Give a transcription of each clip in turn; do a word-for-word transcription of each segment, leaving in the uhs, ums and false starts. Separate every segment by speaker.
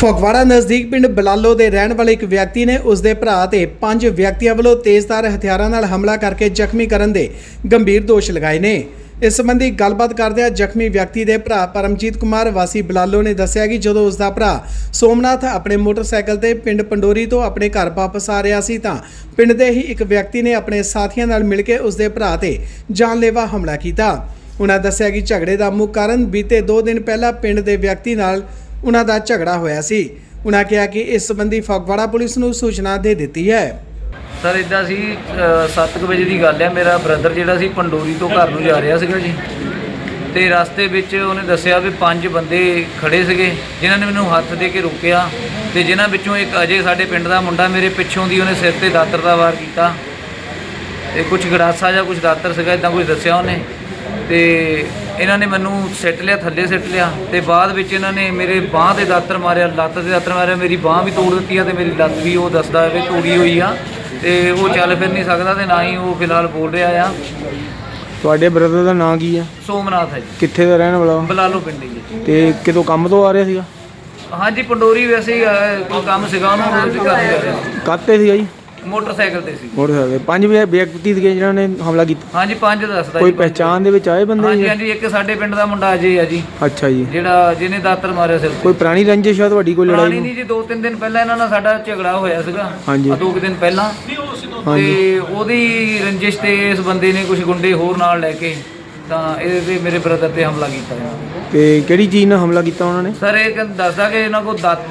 Speaker 1: ਫਗਵਾੜਾ ਨਜ਼ਦੀਕ ਪਿੰਡ ਬਲਾਲੋ ਦੇ ਰਹਿਣ ਵਾਲੇ ਇੱਕ ਵਿਅਕਤੀ ਨੇ ਉਸ ਦੇ ਭਰਾ ਤੇ ਪੰਜ ਵਿਅਕਤੀਆਂ ਵੱਲੋਂ ਤੇਜ਼ਧਾਰ ਹਥਿਆਰਾਂ ਨਾਲ ਹਮਲਾ ਕਰਕੇ ਜ਼ਖਮੀ ਕਰਨ ਦੇ ਗੰਭੀਰ ਦੋਸ਼ ਲਗਾਏ ਨੇ। ਇਸ ਸੰਬੰਧੀ ਗੱਲਬਾਤ ਕਰਦਿਆਂ ਜ਼ਖਮੀ ਵਿਅਕਤੀ ਦੇ ਭਰਾ ਪਰਮਜੀਤ ਕੁਮਾਰ ਵਾਸੀ ਬਲਾਲੋ ਨੇ ਦੱਸਿਆ ਕਿ ਜਦੋਂ ਉਸ ਦਾ ਭਰਾ ਸੋਮਨਾਥ ਆਪਣੇ ਮੋਟਰਸਾਈਕਲ ਤੇ ਪਿੰਡ ਪੰਡੋਰੀ ਤੋਂ ਆਪਣੇ ਘਰ ਵਾਪਸ ਆ ਰਿਹਾ ਸੀ ਤਾਂ ਪਿੰਡ ਦੇ ਹੀ ਇੱਕ ਵਿਅਕਤੀ ਨੇ ਆਪਣੇ ਸਾਥੀਆਂ ਨਾਲ ਮਿਲ ਕੇ ਉਸ ਦੇ ਭਰਾ ਤੇ ਜਾਨਲੇਵਾ ਹਮਲਾ ਕੀਤਾ। ਉਹਨਾਂ ਦੱਸਿਆ ਕਿ ਝਗੜੇ ਦਾ ਮੁੱਖ ਕਾਰਨ ਬੀਤੇ ਦੋ ਦਿਨ ਪਹਿਲਾਂ ਪਿੰਡ ਦੇ ਵਿਅਕਤੀ ਨਾਲ ਉਹਨਾਂ ਦਾ ਝਗੜਾ ਹੋਇਆ ਸੀ। ਉਹਨਾਂ ਕਿਹਾ ਕਿ ਇਸ ਸੰਬੰਧੀ ਫਗਵਾੜਾ ਪੁਲਿਸ ਨੂੰ ਸੂਚਨਾ ਦੇ ਦਿੱਤੀ ਹੈ।
Speaker 2: ਸਰ ਇੱਦਾਂ ਸੀ ਸੱਤ ਕੁ ਵਜੇ ਦੀ ਗੱਲ ਹੈ। ਮੇਰਾ ਬ੍ਰਦਰ ਜਿਹੜਾ ਸੀ ਪੰਡੋਰੀ ਤੋਂ ਘਰ ਨੂੰ ਜਾ ਰਿਹਾ ਸੀਗਾ ਜੀ, ਤੇ ਰਸਤੇ ਵਿੱਚ ਉਹਨੇ ਦੱਸਿਆ ਵੀ ਪੰਜ ਬੰਦੇ ਖੜੇ ਸੀਗੇ ਜਿਨ੍ਹਾਂ ਨੇ ਮੈਨੂੰ ਹੱਥ ਦੇ ਕੇ ਰੋਕਿਆ, ਤੇ ਜਿਨ੍ਹਾਂ ਵਿੱਚੋਂ ਇੱਕ ਅਜੇ ਸਾਡੇ ਪਿੰਡ ਦਾ ਮੁੰਡਾ ਮੇਰੇ ਪਿੱਛੋਂ ਦੀ ਉਹਨੇ ਸਿਰ ਤੇ ਦਾਤਰ ਦਾ ਵਾਰ ਕੀਤਾ, ਤੇ ਕੁਝ ਗੜਾਸਾ ਜਾਂ ਕੁਝ ਦਾਤਰ ਸੀਗਾ ਇੱਦਾਂ ਕੁਝ ਦੱਸਿਆ ਉਹਨੇ, ਤੇ ਇਹਨਾਂ ਨੇ ਮੈਨੂੰ ਸਿੱਟ ਲਿਆ, ਥੱਲੇ ਸਿੱਟ ਲਿਆ, ਤੇ ਬਾਅਦ ਵਿੱਚ ਇਹਨਾਂ ਨੇ ਮੇਰੇ ਬਾਂਹ ਤੇ ਦਾਤਰ ਮਾਰਿਆ, ਲੱਤ ਤੇ ਦਾਤਰ ਮਾਰਿਆ, ਮੇਰੀ ਬਾਂਹ ਵੀ ਤੋੜ ਦਿੱਤੀ ਆ ਤੇ ਮੇਰੀ ਲੱਤ ਵੀ ਉਹ ਦੱਸਦਾ ਵੀ ਤੋੜੀ ਹੋਈ ਆ, ਤੇ ਉਹ ਚੱਲ ਫਿਰ ਨਹੀਂ ਸਕਦਾ ਤੇ ਨਾ ਹੀ ਉਹ ਫਿਲਹਾਲ ਬੋਲ ਰਿਹਾ ਆ।
Speaker 3: ਤੁਹਾਡੇ ਬ੍ਰਦਰ ਦਾ ਨਾਂ ਕੀ ਆ?
Speaker 2: ਸੋਮਨਾਥ ਹੈ ਜੀ।
Speaker 3: ਕਿੱਥੇ ਦਾ ਰਹਿਣ ਵਾਲਾ?
Speaker 2: ਬਲਾਲੋ ਪਿੰਡ ਜੀ।
Speaker 3: ਤੇ ਕਿਤੋਂ ਕੰਮ ਤੋਂ ਆ ਰਿਹਾ ਸੀਗਾ?
Speaker 2: ਹਾਂਜੀ ਪੰਡੋਰੀ ਵੈਸੇ ਹੀ ਕੋਈ ਕੰਮ ਸੀਗਾ ਉਹਨੂੰ ਰੋਜ਼ ਕਰ ਰਿਹਾ ਸੀ।
Speaker 3: ਕਾਹਤੇ ਸੀਗਾ ਜੀ?
Speaker 2: ਮੋਟਰਸਾਈਕਲ ਤੇ ਸੀ।
Speaker 3: ਮੋਟਰਸਾਈਕਲ। ਪੰਜ ਵਿਅਕਤੀ ਸੀਗੇ ਜਿਨ੍ਹਾਂ ਨੇ ਹਮਲਾ ਕੀਤਾ?
Speaker 2: ਹਾਂਜੀ ਪੰਜ ਦੱਸਦਾ।
Speaker 3: ਕੋਈ ਪਹਿਚਾਣ ਦੇ ਵਿੱਚ ਆਏ ਬੰਦੇ?
Speaker 2: ਹਾਂਜੀ ਹਾਂਜੀ ਇੱਕ ਸਾਡੇ ਪਿੰਡ ਦਾ ਮੁੰਡਾ ਅਜੇ ਆ ਜੀ।
Speaker 3: ਅੱਛਾ ਜੀ।
Speaker 2: ਜਿਹੜਾ ਜਿਹਨੇ ਦਾਤਰ ਮਾਰਿਆ ਸਿਰ ਤੇ।
Speaker 3: ਕੋਈ ਪੁਰਾਣੀ ਰੰਜਿਸ਼ ਆ ਤੁਹਾਡੀ? ਕੋਈ ਲੜਾਈ
Speaker 2: ਨਹੀਂ ਜੀ, ਦੋ ਤਿੰਨ ਦਿਨ ਪਹਿਲਾਂ ਇਹਨਾਂ ਨਾਲ ਸਾਡਾ ਝਗੜਾ ਹੋਇਆ ਸੀਗਾ।
Speaker 3: ਹਾਂਜੀ।
Speaker 2: ਦੋ ਕੁ ਦਿਨ ਪਹਿਲਾਂ, ਤੇ ਉਹਦੀ ਰੰਜਿਸ਼ ਤੇ ਇਸ ਬੰਦੇ ਨੇ ਕੁਝ ਗੁੰਡੇ ਹੋਰ ਨਾਲ ਲੈ ਕੇ ਤਾਂ ਇਹਦੇ ਤੇ ਮੇਰੇ ਬ੍ਰਦਰ ਤੇ ਹਮਲਾ ਕੀਤਾ ਇਹਨਾਂ ਨੇ।
Speaker 3: ਤੇ ਕਿਹੜੀ ਚੀਜ਼ ਨਾਲ ਹਮਲਾ ਕੀਤਾ ਉਹਨਾਂ ਨੇ?
Speaker 2: ਸਰ ਇਹ ਦੱਸਦਾ ਕਿ ਇਹਨਾਂ ਕੋਲ ਦਾਤ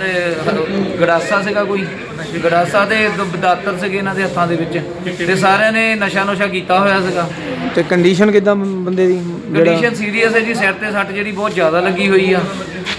Speaker 2: ਗੜਾਸਾ ਸੀਗਾ, ਕੋਈ ਗੜਾਸਾ ਤੇ ਦਾਤਰ ਸੀਗੇ ਇਹਨਾਂ ਦੇ ਹੱਥਾਂ ਦੇ ਵਿੱਚ, ਤੇ ਸਾਰਿਆਂ ਨੇ ਨਸ਼ਾ ਨੁਸ਼ਾ ਕੀਤਾ ਹੋਇਆ ਸੀਗਾ।
Speaker 3: ਤੇ ਕੰਡੀਸ਼ਨ ਕਿੱਦਾਂ ਬੰਦੇ ਦੀ?
Speaker 2: ਕੰਡੀਸ਼ਨ ਸੀਰੀਅਸ ਹੈ ਜੀ, ਸਿਰ ਤੇ ਸੱਟ ਜਿਹੜੀ ਬਹੁਤ ਜ਼ਿਆਦਾ ਲੱਗੀ ਹੋਈ ਆ,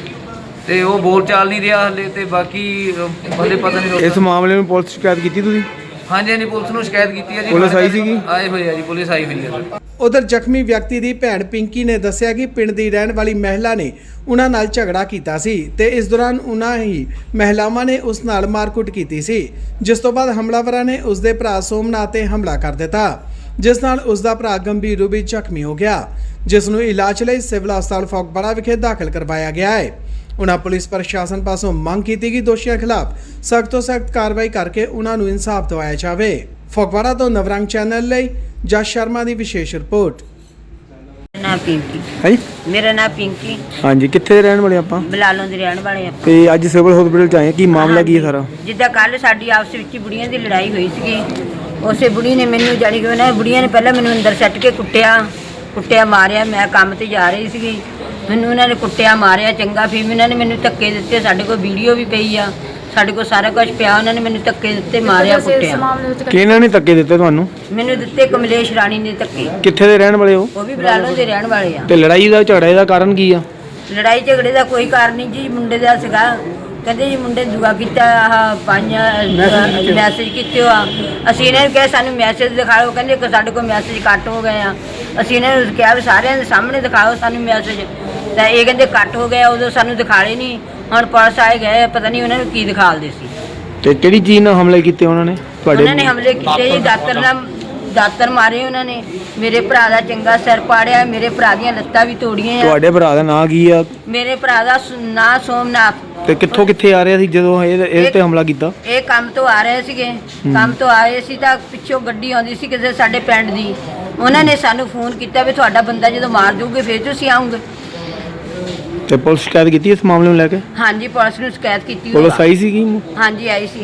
Speaker 2: ਤੇ ਉਹ ਬੋਲ ਚਾਲ ਨਹੀਂ ਰਿਹਾ ਹਲੇ, ਤੇ ਬਾਕੀ ਬੰਦੇ ਪਤਾ ਨਹੀਂ।
Speaker 3: ਇਸ ਮਾਮਲੇ ਨੂੰ ਪੁਲਿਸ ਸ਼ਿਕਾਇਤ ਕੀਤੀ ਤੁਸੀਂ?
Speaker 2: ਹਾਂਜੀ ਹਾਂਜੀ ਪੁਲਿਸ ਨੂੰ ਸ਼ਿਕਾਇਤ ਕੀਤੀ ਹੈ ਜੀ।
Speaker 3: ਪੁਲਿਸ ਆਈ ਸੀਗੀ?
Speaker 2: ਆਏ ਹੋਏ ਆ ਜੀ, ਪੁਲਿਸ ਆਈ ਹੋਈ ਹੈ।
Speaker 1: ਉਧਰ ਜ਼ਖਮੀ ਵਿਅਕਤੀ ਦੀ ਭੈਣ ਪਿੰਕੀ ਨੇ ਦੱਸਿਆ ਕਿ ਪਿੰਡ ਦੀ ਰਹਿਣ ਵਾਲੀ ਮਹਿਲਾ ਨੇ ਉਹਨਾਂ ਨਾਲ ਝਗੜਾ ਕੀਤਾ ਸੀ ਤੇ ਇਸ ਦੌਰਾਨ ਉਹਨਾਂ ਹੀ ਮਹਿਲਾਵਾਂ ਨੇ ਉਸ ਨਾਲ ਮਾਰਕੁੱਟ ਕੀਤੀ ਸੀ, ਜਿਸ ਤੋਂ ਬਾਅਦ ਹਮਲਾਵਰਾਂ ਨੇ ਉਸ ਦੇ ਭਰਾ ਸੋਮਨਾਥ ਤੇ ਹਮਲਾ ਕਰ ਦਿੱਤਾ, ਜਿਸ ਨਾਲ ਉਸ ਦਾ ਭਰਾ ਗੰਭੀਰ ਰੂਪ ਵਿੱਚ ਜ਼ਖਮੀ ਹੋ ਗਿਆ, ਜਿਸ ਨੂੰ ਇਲਾਜ ਲਈ ਸਿਵਲ ਹਸਪਤਾਲ ਫਗਵਾੜਾ ਵਿਖੇ ਦਾਖਲ ਕਰਵਾਇਆ ਗਿਆ ਹੈ। ਉਹਨਾਂ ਪੁਲਿਸ ਪ੍ਰਸ਼ਾਸਨ ਪਾਸੋਂ ਮੰਗ ਕੀਤੀ ਕਿ ਦੋਸ਼ੀਆਂ ਖਿਲਾਫ ਸਖਤ ਤੋਂ ਸਖਤ ਕਾਰਵਾਈ ਕਰਕੇ ਉਹਨਾਂ ਨੂੰ ਇਨਸਾਫ ਦਿਵਾਇਆ ਜਾਵੇ। ਫਗਵਾੜਾ ਤੋਂ ਨਵਰੰਗ ਚੈਨਲ ਲਈ ਜਸ ਸ਼ਰਮਾ ਦੀ ਵਿਸ਼ੇਸ਼ ਰਿਪੋਰਟ।
Speaker 4: ਨਾ ਪਿੰਕੀ
Speaker 3: ਹਾਂਜੀ,
Speaker 4: ਮੇਰਾ ਨਾਮ ਪਿੰਕੀ।
Speaker 3: ਹਾਂਜੀ, ਕਿੱਥੇ ਦੇ ਰਹਿਣ ਵਾਲੇ ਆਪਾਂ?
Speaker 4: ਬਲਾਲੋਂ ਦੇ ਰਹਿਣ ਵਾਲੇ ਆਪਾਂ।
Speaker 3: ਤੇ ਅੱਜ ਸਿਵਲ ਹਸਪੀਟਲ ਚ ਆਏ, ਕੀ ਮਾਮਲਾ ਕੀ ਹੈ ਸਾਰਾ?
Speaker 4: ਜਿੱਦਾਂ ਕੱਲ ਸਾਡੀ ਆਪਸ ਵਿੱਚ ਬੁੜੀਆਂ ਦੀ ਲੜਾਈ ਹੋਈ ਸੀਗੀ, ਉਸੇ ਬੁੜੀ ਨੇ ਮੈਨੂੰ ਜਾਣੀ ਕਿ ਉਹਨਾਂ ਬੁੜੀਆਂ ਨੇ ਪਹਿਲਾਂ ਮੈਨੂੰ ਅੰਦਰ ਸੱਟ ਕੇ ਕੁੱਟਿਆ ਕੁੱਟਿਆ ਮਾਰਿਆ। ਮੈਂ ਕੰਮ ਤੇ ਜਾ ਰਹੀ ਸੀਗੀ, ਮੈਨੂੰ ਉਹਨਾਂ ਨੇ ਕੁੱਟਿਆ ਮਾਰਿਆ ਚੰਗਾ, ਫਿਰ ਉਹਨਾਂ ਨੇ ਮੈਨੂੰ ਧੱਕੇ ਦਿੱਤੇ। ਸਾਡੇ ਕੋਲ ਵੀਡੀਓ ਵੀ ਪਈ ਆ, ਸਾਡੇ ਕੋਲ ਸਾਰਾ ਕੁਝ ਪਿਆ। ਉਹਨਾਂ ਨੇ ਮੈਨੂੰ ਧੱਕੇ ਦਿੱਤੇ, ਮਾਰਿਆ, ਕੁੱਟਿਆ।
Speaker 3: ਕਿਹਨਾਂ ਨੇ ਧੱਕੇ ਦਿੱਤੇ ਤੁਹਾਨੂੰ?
Speaker 4: ਮੈਨੂੰ ਦਿੱਤੇ ਕਮਲੇਸ਼ ਰਾਣੀ ਨੇ ਧੱਕੇ।
Speaker 3: ਕਿੱਥੇ ਦੇ ਰਹਿਣ ਵਾਲੇ ਹੋ?
Speaker 4: ਉਹ ਵੀ ਬਲਾਲੋਂ ਦੇ ਰਹਿਣ ਵਾਲੇ ਆ।
Speaker 3: ਤੇ ਲੜਾਈ ਦਾ ਝਗੜੇ ਦਾ ਕਾਰਨ ਕੀ ਆ?
Speaker 4: ਲੜਾਈ ਝਗੜੇ ਦਾ ਕੋਈ ਕਾਰਨ ਨਹੀਂ ਜੀ, ਮੁੰਡੇ ਦਾ ਸੀਗਾ। ਕਹਿੰਦੇ ਜੀ ਮੁੰਡੇ ਦੁਆ ਕੀਤਾ, ਆਹ ਪੰਜ ਮੈਸੇਜ ਕੀਤੇ ਆ। ਅਸੀਂ ਇਹਨਾਂ ਨੂੰ ਕਿਹਾ ਸਾਨੂੰ ਮੈਸੇਜ ਦਿਖਾਓ, ਕਹਿੰਦੇ ਕਿ ਸਾਡੇ ਕੋਲ ਮੈਸੇਜ ਕੱਟ ਹੋ ਗਏ ਆ। ਅਸੀਂ ਇਹਨਾਂ ਨੂੰ ਕਿਹਾ ਵੀ ਸਾਰਿਆਂ ਦੇ ਸਾਹਮਣੇ ਦਿਖਾਓ ਸਾਨੂੰ ਮੈਸੇਜ, ਤਾਂ ਇਹ ਕਹਿੰਦੇ ਕੱਟ ਹੋ ਗਿਆ। ਉਦੋਂ ਸਾਨੂੰ ਦਿਖਾਲੇ ਨਹੀਂ, ਹੁਣ ਪੁਲਿਸ ਆਏ ਗਏ, ਪਤਾ ਨਹੀਂ ਉਹਨਾਂ ਨੂੰ ਕੀ ਦਿਖਾਲਦੇ ਸੀ।
Speaker 3: ਤੇ ਕਿਹੜੀ ਚੀਜ਼ ਨਾਲ ਹਮਲੇ ਕੀਤੇ ਉਹਨਾਂ ਨੇ ਤੁਹਾਡੇ?
Speaker 4: ਉਹਨਾਂ ਨੇ ਹਮਲੇ ਕੀਤੇ ਜੀ, ਦਾਤਰ ਨਾਲ ਦਾਤਰ ਮਾਰੇ ਉਹਨਾਂ ਨੇ। ਮੇਰੇ ਭਰਾ ਦਾ ਚੰਗਾ ਸਿਰ ਪਾੜਿਆ, ਮੇਰੇ ਭਰਾ ਦੀਆਂ ਲੱਤਾਂ ਵੀ ਤੋੜੀਆਂ ਆ।
Speaker 3: ਤੁਹਾਡੇ ਭਰਾ ਦਾ ਨਾਂ ਕੀ ਆ?
Speaker 4: ਮੇਰੇ ਭਰਾ ਦਾ ਨਾਂ ਸੋਮਨਾਥ।
Speaker 3: ਤੇ ਕਿੱਥੋਂ ਕਿੱਥੇ ਆ ਰਿਹਾ ਸੀ ਜਦੋਂ ਇਹ ਇਹ ਤੇ ਹਮਲਾ ਕੀਤਾ?
Speaker 4: ਇਹ ਕੰਮ ਤੋਂ ਆ ਰਹੇ ਸੀਗੇ, ਕੰਮ ਤੋਂ ਆਏ ਸੀ ਤਾਂ ਪਿੱਛੋਂ ਗੱਡੀ ਆਉਂਦੀ ਸੀ ਕਿਸੇ ਸਾਡੇ ਪਿੰਡ ਦੀ। ਉਹਨਾਂ ਨੇ ਸਾਨੂੰ ਫੋਨ ਕੀਤਾ ਵੀ ਤੁਹਾਡਾ ਬੰਦਾ ਜਦੋਂ ਮਾਰ ਦੂਗੇ ਫਿਰ ਤੁਸੀਂ ਆਉਂਗੇ।
Speaker 3: ਤੇ ਪੁਲਿਸ ਸ਼ਿਕਾਇਤ ਕੀਤੀ ਇਸ ਮਾਮਲੇ ਨੂੰ ਲੈ ਕੇ?
Speaker 4: ਹਾਂਜੀ ਪੁਲਿਸ ਨੂੰ ਸ਼ਿਕਾਇਤ ਕੀਤੀ।
Speaker 3: ਪੁਲਿਸ ਆਈ ਸੀਗੀ?
Speaker 4: ਹਾਂਜੀ ਆਈ ਸੀ।